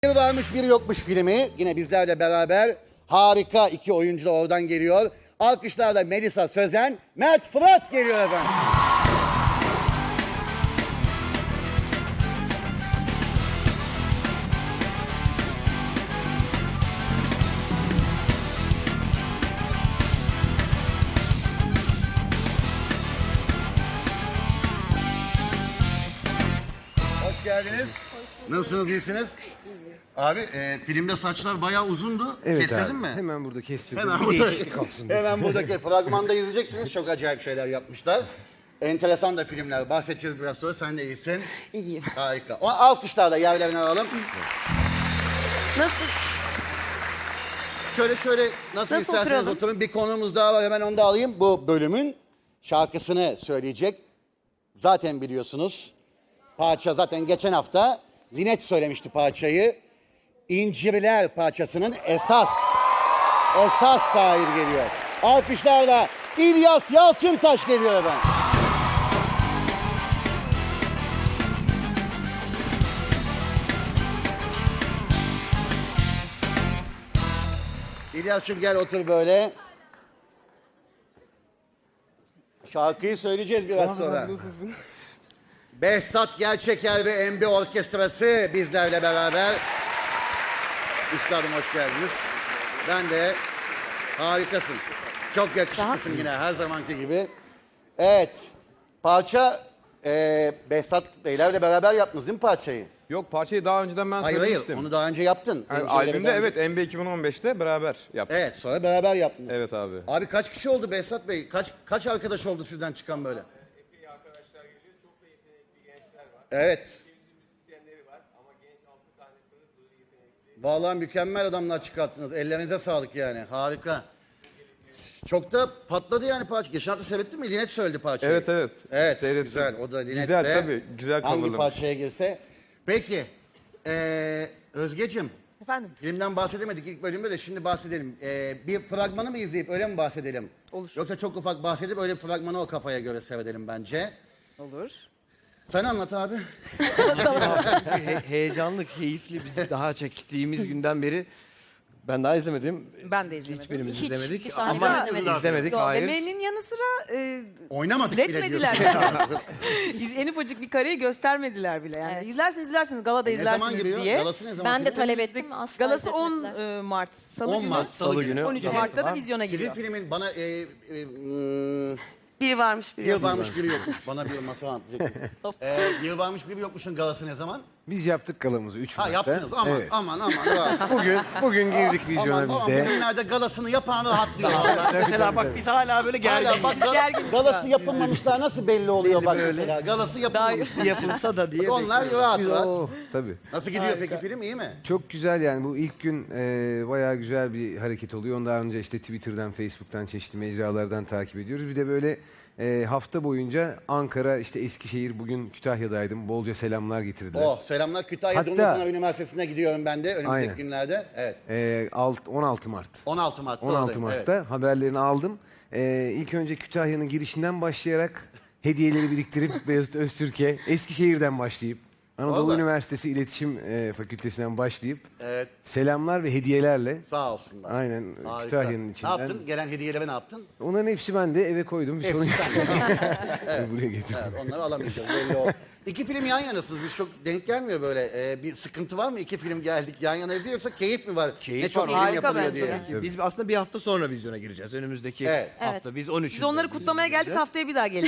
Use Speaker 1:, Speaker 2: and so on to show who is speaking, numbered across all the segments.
Speaker 1: Bir varmış bir yokmuş filmi yine bizlerle beraber harika iki oyuncu da oradan geliyor. Alkışlarla Melisa Sözen, Mert Fırat geliyor efendim. Hoş geldiniz. Nasılsınız, iyisiniz? Abi filmde saçlar bayağı uzundu.
Speaker 2: Evet
Speaker 1: Kestirdin
Speaker 2: abi.
Speaker 1: mi?
Speaker 2: Hemen burada kestirdim.
Speaker 1: Hemen
Speaker 2: Bir
Speaker 1: burada,
Speaker 2: değişiklik olsun diye.
Speaker 1: hemen buradaki fragmanda izleyeceksiniz. Çok acayip şeyler yapmışlar. Enteresan da filmler. Bahsedeceğiz biraz sonra. Sen de iyisin.
Speaker 3: İyiyim.
Speaker 1: Harika. O alkışlarla yerlerine alalım.
Speaker 3: Nasıl?
Speaker 1: Şöyle nasıl
Speaker 3: Nasıl
Speaker 1: isterseniz
Speaker 3: oturalım?
Speaker 1: oturun. Bir konuğumuz daha var. Hemen onu da alayım. Bu bölümün şarkısını söyleyecek. Zaten biliyorsunuz. Parça zaten geçen hafta Linet söylemişti parçayı. İncirler parçasının esas sahibi geliyor. Alkışlarla İlyas Yalçıntaş geliyor efendim. İlyas'cığım gel otur böyle. Şarkıyı söyleyeceğiz biraz sonra. Behzat Gerçeker ve MB Orkestrası bizlerle beraber. Üstadım hoş geldiniz. Ben de harikasın. Çok yakışıklısın yine her zamanki gibi. Evet. Parça Behzat Beylerle beraber yaptınız değil mi parçayı?
Speaker 4: Yok, parçayı daha önceden ben
Speaker 1: Hayır
Speaker 4: söylemiştim.
Speaker 1: onu daha önce yaptın.
Speaker 4: Yani
Speaker 1: Önceleri
Speaker 4: albümde
Speaker 1: daha önce-
Speaker 4: evet MB 2015'te beraber yaptık.
Speaker 1: Evet sonra beraber yaptınız.
Speaker 4: Evet abi.
Speaker 1: Abi kaç kişi oldu Behzat Bey? Kaç arkadaş oldu sizden çıkan böyle?
Speaker 5: Epey arkadaşlar geliyor. Çok da yetenekli gençler var.
Speaker 1: Evet.
Speaker 5: Ülkemizin müzisyenleri var ama genç 6 tane pırıl pırıl yetenekli.
Speaker 1: Vallahi mükemmel adamlar çıkarttınız. Ellerinize sağlık yani. Harika. çok da patladı yani parça. Geçen hafta seyrettin mi? Linet söyledi parçayı.
Speaker 4: Evet.
Speaker 1: Evet
Speaker 4: Seyrettim.
Speaker 1: güzel. O da Linet
Speaker 4: Güzel
Speaker 1: de
Speaker 4: tabii. Güzel
Speaker 1: hangi
Speaker 4: coverlamış.
Speaker 1: parçaya girse. Peki. Özgeciğim.
Speaker 3: Efendim?
Speaker 1: Filmden bahsedemedik ilk bölümde de şimdi bahsedelim. Bir fragmanı mı izleyip öyle mi bahsedelim?
Speaker 3: Olur.
Speaker 1: Yoksa çok ufak bahsedip öyle bir fragmanı o kafaya göre seyredelim bence.
Speaker 3: Olur.
Speaker 1: Sen anlat abi.
Speaker 6: Heyecanlı, keyifli. Biz daha çektiğimiz günden beri ben daha izlemedim.
Speaker 3: Ben de izlemedim.
Speaker 6: Hiçbirimiz
Speaker 3: Hiç,
Speaker 6: izlemedik.
Speaker 3: bir sahne
Speaker 6: Ama
Speaker 3: daha izlemedik.
Speaker 6: izlemedik.
Speaker 3: Yok,
Speaker 6: Hayır.
Speaker 3: demenin yanı sıra
Speaker 1: Oynamadık bile
Speaker 3: izletmediler.
Speaker 1: diyorsun.
Speaker 3: En ufacık bir kareyi göstermediler bile. Yani izlersiniz galada
Speaker 1: Ne zaman
Speaker 3: izlersiniz
Speaker 1: giriyor?
Speaker 3: diye.
Speaker 1: Galası ne zaman
Speaker 7: Ben de
Speaker 1: giriyor?
Speaker 7: talep ettim asla
Speaker 3: Galası 10
Speaker 7: izletmediler.
Speaker 3: Mart Salı
Speaker 1: 10
Speaker 3: günü.
Speaker 1: Mart
Speaker 6: Salı günü.
Speaker 3: 13
Speaker 6: Sizin
Speaker 3: Mart'ta da
Speaker 6: var.
Speaker 3: vizyona
Speaker 1: Sizin
Speaker 3: giriyor.
Speaker 1: filmin bana
Speaker 3: Biri varmış biri
Speaker 1: bir
Speaker 3: yok.
Speaker 1: varmış biri yokmuş. Bana bir masal anlatacak. Bir varmış biri yokmuşun galası ne zaman?
Speaker 2: Biz yaptık galamızı 3
Speaker 1: Ha
Speaker 2: Mart'ta.
Speaker 1: yaptınız aman
Speaker 2: Evet.
Speaker 1: aman.
Speaker 2: Bugün girdik vizyona
Speaker 1: aman
Speaker 2: biz de.
Speaker 1: bugünlerde galasını yapan rahatlıyor. vallahi.
Speaker 6: Mesela bak biz hala böyle
Speaker 1: Hala
Speaker 6: gergin.
Speaker 1: bak
Speaker 3: gerginiz
Speaker 1: galası yapılmamışlar nasıl belli oluyor bak mesela. Galası yapılmamış.
Speaker 6: yapılsa da diye.
Speaker 1: Onlar rahat.
Speaker 2: Oh, tabii.
Speaker 1: Nasıl gidiyor peki film iyi mi?
Speaker 2: Çok güzel yani bu ilk gün bayağı güzel bir hareket oluyor. Ondan önce işte Twitter'dan, Facebook'tan, çeşitli mecralardan takip ediyoruz. Bir de böyle hafta boyunca Ankara, işte Eskişehir, bugün Kütahya'daydım. Bolca selamlar getirdiler.
Speaker 1: Oh selamlar Kütahya
Speaker 2: Hatta-
Speaker 1: Dumlupınar Üniversitesi'ne gidiyorum ben de önümüzdeki
Speaker 2: Aynen.
Speaker 1: günlerde. Evet.
Speaker 2: 16 Mart.
Speaker 1: 16 Mart'ta
Speaker 2: 16
Speaker 1: oradayım,
Speaker 2: Mart'ta
Speaker 1: evet.
Speaker 2: haberlerini aldım. İlk önce Kütahya'nın girişinden başlayarak hediyeleri biriktirip Beyazıt Öztürk'e, Eskişehir'den başlayıp Anadolu
Speaker 1: Vallahi.
Speaker 2: Üniversitesi İletişim Fakültesinden başlayıp
Speaker 1: Evet.
Speaker 2: selamlar ve hediyelerle
Speaker 1: Sağ olsunlar.
Speaker 2: aynen
Speaker 1: Harika.
Speaker 2: Kütahya'nın
Speaker 1: Ne
Speaker 2: içinden.
Speaker 1: yaptın? Gelen hediyeleri ne yaptın?
Speaker 2: Onların hepsi bende eve koydum. Bir sorun
Speaker 1: Hepsi
Speaker 2: yok.
Speaker 1: sende.
Speaker 2: Buraya getirdim.
Speaker 1: Evet, onları alamayacağız belli o. İki film yan yanasınız. Biz çok denk gelmiyor böyle. Bir sıkıntı var mı? İki film geldik yan yana izliyor yoksa keyif mi var?
Speaker 6: Keyif
Speaker 1: ne çok
Speaker 6: var.
Speaker 1: film
Speaker 3: Harika
Speaker 1: yapılıyor
Speaker 3: bence
Speaker 1: diye.
Speaker 3: de.
Speaker 6: Biz aslında bir hafta sonra vizyona gireceğiz. Önümüzdeki
Speaker 1: Evet.
Speaker 6: hafta. Biz 13'ünde.
Speaker 3: Biz onları kutlamaya geldik, haftaya bir daha gelin.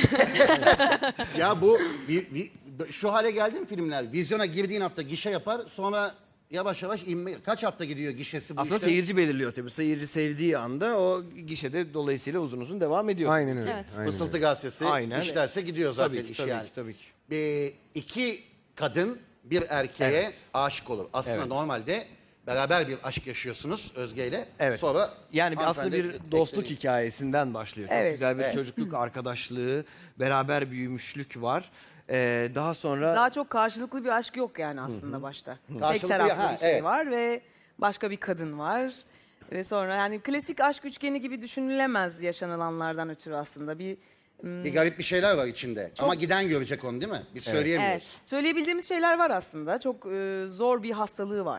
Speaker 1: Ya bu şu hale geldi mi filmler? Vizyona girdiğin hafta gişe yapar sonra yavaş yavaş inme. Kaç hafta gidiyor gişesi bu
Speaker 6: Aslında
Speaker 1: işte?
Speaker 6: seyirci belirliyor tabii. Seyirci sevdiği anda o gişede dolayısıyla uzun uzun devam ediyor.
Speaker 2: Aynen öyle.
Speaker 7: Evet.
Speaker 2: Aynen
Speaker 1: Fısıltı
Speaker 2: öyle.
Speaker 1: gazetesi
Speaker 6: Aynen.
Speaker 1: işlerse gidiyor zaten
Speaker 6: Tabii ki,
Speaker 1: iş
Speaker 6: tabii
Speaker 1: yani.
Speaker 6: ki, tabii ki.
Speaker 1: İki kadın bir erkeğe
Speaker 6: Evet.
Speaker 1: aşık olur. Aslında
Speaker 6: Evet.
Speaker 1: normalde beraber bir aşk yaşıyorsunuz Özge ile.
Speaker 6: Evet.
Speaker 1: Sonra
Speaker 6: Yani aslında
Speaker 1: hanımefendi
Speaker 6: bir dostluk
Speaker 1: tekleri-
Speaker 6: hikayesinden başlıyor. Çok
Speaker 3: Evet.
Speaker 6: güzel bir
Speaker 1: Evet.
Speaker 6: çocukluk arkadaşlığı, beraber büyümüşlük var. Daha sonra
Speaker 3: Daha çok karşılıklı bir aşk yok yani aslında başta. Tek
Speaker 1: Karşılıklı
Speaker 3: taraflı
Speaker 1: ha,
Speaker 3: bir şey
Speaker 1: evet.
Speaker 3: var ve başka bir kadın var. Ve sonra yani klasik aşk üçgeni gibi düşünülemez yaşanılanlardan ötürü aslında.
Speaker 1: Bir garip bir şeyler var içinde. Ama giden görecek onu değil mi? Biz söyleyemiyoruz.
Speaker 7: Evet.
Speaker 3: Söyleyebildiğimiz şeyler var aslında. Çok zor bir hastalığı var.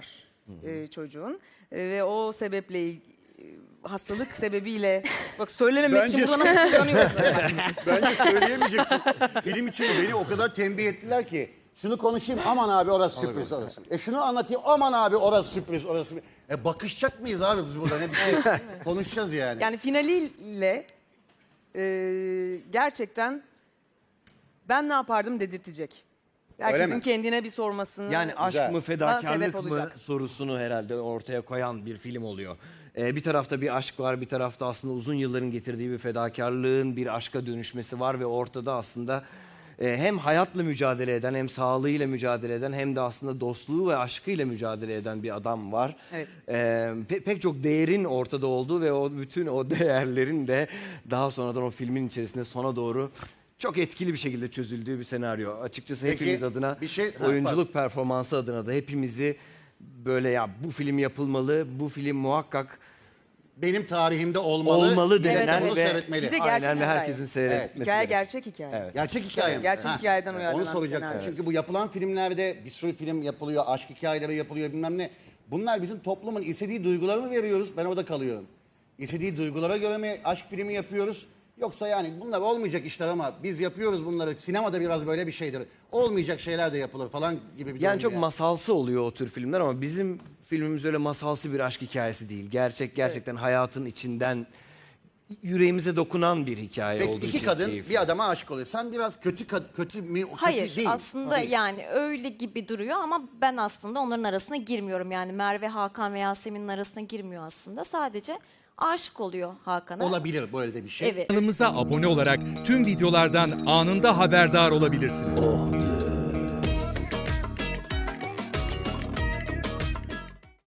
Speaker 3: çocuğun. Ve o sebeple hastalık sebebiyle bak söylememek için
Speaker 1: Bence-
Speaker 3: burada nasıl kullanıyoruz?
Speaker 1: Bence söyleyemeyeceksin. Film için beni o kadar tembih ettiler ki. Şunu konuşayım aman abi orası sürpriz orası. Şunu anlatayım aman abi orası sürpriz orası sürpriz. Bakışacak mıyız abi biz burada ne bir şey konuşacağız yani.
Speaker 3: Yani finaliyle gerçekten ben ne yapardım dedirtecek. Herkesin
Speaker 1: mi?
Speaker 3: kendine bir sormasını.
Speaker 6: Yani aşk
Speaker 1: Güzel.
Speaker 6: mı
Speaker 3: sebep
Speaker 6: fedakarlık mı
Speaker 3: olacak.
Speaker 6: sorusunu herhalde ortaya koyan bir film oluyor. Bir tarafta bir aşk var, bir tarafta aslında uzun yılların getirdiği bir fedakarlığın bir aşka dönüşmesi var ve ortada aslında hem hayatla mücadele eden, hem sağlığıyla mücadele eden, hem de aslında dostluğu ve aşkıyla mücadele eden bir adam var.
Speaker 3: Evet.
Speaker 6: Pek çok değerin ortada olduğu ve o bütün o değerlerin de daha sonradan o filmin içerisinde sona doğru çok etkili bir şekilde çözüldüğü bir senaryo. Açıkçası
Speaker 1: Peki,
Speaker 6: hepimiz adına,
Speaker 1: bir şey- Ha,
Speaker 6: oyunculuk performansı adına da hepimizi böyle ya bu film yapılmalı, bu film muhakkak
Speaker 1: Benim tarihimde olmalı.
Speaker 6: olmalı
Speaker 1: millet
Speaker 6: denilen
Speaker 1: bunu
Speaker 6: ve
Speaker 1: seyretmeli.
Speaker 3: Bir de gerçek
Speaker 6: aynen ve
Speaker 3: hikaye.
Speaker 6: herkesin seyretmesi.
Speaker 3: Hikaye gerçek hikaye.
Speaker 6: Evet.
Speaker 1: Gerçek hikaye mi?
Speaker 3: Gerçek hikayeden uyarlanan
Speaker 1: Onu soracaktım.
Speaker 3: senaryo.
Speaker 1: Çünkü bu yapılan filmlerde bir sürü film yapılıyor, aşk hikayeleri yapılıyor bilmem ne. Bunlar bizim toplumun istediği duyguları mı veriyoruz? Ben orada kalıyorum. İstediği duygulara göre mi aşk filmi yapıyoruz? Yoksa yani bunlar olmayacak işler ama biz yapıyoruz bunları. Sinemada biraz böyle bir şeydir. Olmayacak şeyler de yapılır falan gibi bir
Speaker 6: Yani
Speaker 1: durum
Speaker 6: çok
Speaker 1: yani.
Speaker 6: masalsı oluyor o tür filmler ama bizim filmimiz öyle masalsı bir aşk hikayesi değil. Gerçekten hayatın içinden yüreğimize dokunan bir hikaye
Speaker 1: Peki
Speaker 6: olduğu
Speaker 1: iki
Speaker 6: için
Speaker 1: kadın
Speaker 6: keyifli.
Speaker 1: bir adama aşık oluyor. Sen biraz kötü mi? Kötü
Speaker 7: Hayır
Speaker 1: değil.
Speaker 7: aslında
Speaker 1: Değil.
Speaker 7: yani öyle gibi duruyor ama ben aslında onların arasına girmiyorum. Yani Merve, Hakan ve Yasemin'in arasına girmiyor aslında. Sadece aşık oluyor Hakan'a.
Speaker 1: Olabilir böyle de bir şey.
Speaker 7: Evet.
Speaker 8: Kanalımıza abone olarak tüm videolardan anında haberdar olabilirsiniz.